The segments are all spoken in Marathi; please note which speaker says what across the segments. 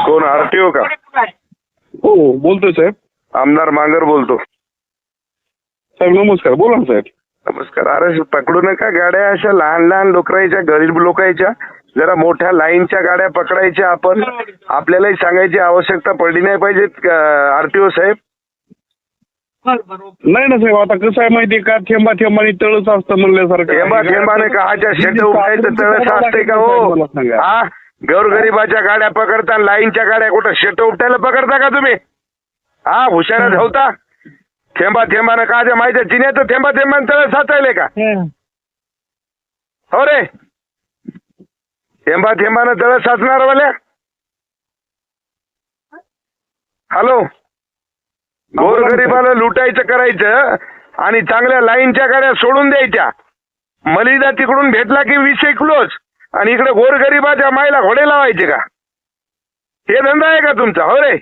Speaker 1: कोण आरटीओ का?
Speaker 2: हो बोलतोय साहेब.
Speaker 1: आमदार मांगर बोलतो.
Speaker 2: साहेब नमस्कार, बोला ना साहेब.
Speaker 1: नमस्कार. अरे पकडू नका गाड्या अशा लहान लहान लोकांच्या, गरीब लोकांच्या. जरा मोठ्या लाईनच्या गाड्या पकडायच्या. आपण आपल्यालाही सांगायची आवश्यकता पडली नाही पाहिजे आरटीओ साहेब.
Speaker 2: नाही ना साहेब, आता कसं आहे माहितीये का, थेंबा थेंबाने तळच असतं म्हणल्यासारखं.
Speaker 1: थेंबा थेंबाने काहाच्या शेट उठायचं तळस असते का हो? हा, गोरगरिबाच्या गाड्या पकडता, लाईनच्या गाड्या कुठं शेट उपटायला पकडता का तुम्ही? हा, हुशार धावता. थेंबा थेंबानं काहाच्या माहिती चिन्याचं थेंबा थेंबाने तळस साचायले का? हो रे, थेंबा थेंबानं तळस साचणार वाल्या. हॅलो, गोरगरिबाला लुटायचं करायचं आणि चांगल्या लाईनच्या गाड्या सोडून द्यायच्या. मलिदा तिकडून भेटला की विषय क्लोज आणि इकडे गोरगरिबाच्या मायला घोडे लावायचे का? हे धंदा आहे का तुमचा? हो रे,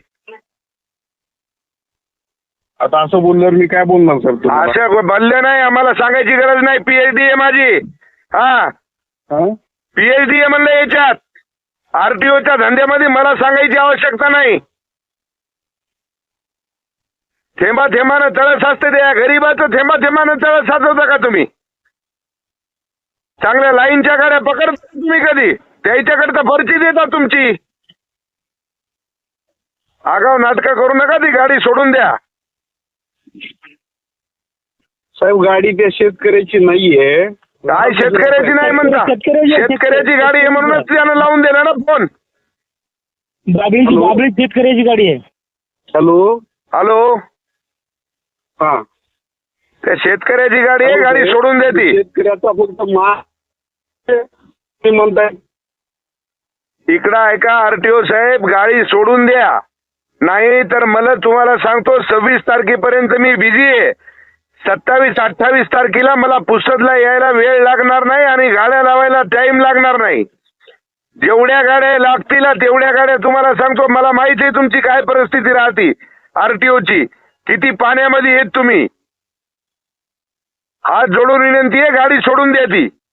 Speaker 2: आता असं बोलल्यावर मी काय बोलणार सर?
Speaker 1: अशा बोलले नाही, आम्हाला सांगायची गरज नाही. पीएचडी आहे माझी. हा, पीएचडी आहे म्हणलं याच्यात. आरटीओच्या धंद्यामध्ये मला सांगायची आवश्यकता नाही. थेंबा थेंबानं तळस असते त्या गरीबाचं. थेंबा थेंबानं तळस साचवता का तुम्ही? चांगल्या लाईनच्या गाड्या पकडता तुम्ही कधी? त्याच्याकडे पर्ची देता तुमची. आगाव नाटकं करू नका, ती गाडी सोडून द्या.
Speaker 2: साहेब गाडी त्या शेतकऱ्याची नाहीये.
Speaker 1: काय शेतकऱ्याची नाही म्हणता? शेतकऱ्याची गाडी आहे म्हणूनच त्यानं लावून दिला ना फोन.
Speaker 3: बाबळी शेतकऱ्याची गाडी आहे.
Speaker 2: हॅलो
Speaker 1: हॅलो,
Speaker 2: हा,
Speaker 1: त्या शेतकऱ्याची गाडी आहे, गाडी सोडून देते.
Speaker 2: शेतकऱ्याचा फक्त म्हणताय.
Speaker 1: इकडं ऐका आरटीओ साहेब, गाडी सोडून द्या. नाही तर मला तुम्हाला सांगतो 26 तारखेपर्यंत मी बिझी आहे. 27-28 तारखेला मला पुसदला यायला वेळ लागणार नाही आणि गाड्या लावायला टाइम लागणार नाही. जेवढ्या गाड्या लागतील तेवढ्या गाड्या तुम्हाला सांगतो. मला माहिती आहे तुमची काय परिस्थिती राहते आरटीओची. किती पाण्यामध्ये येत तुम्ही. हात जोडून विनंती आहे, गाडी सोडून द्या ती.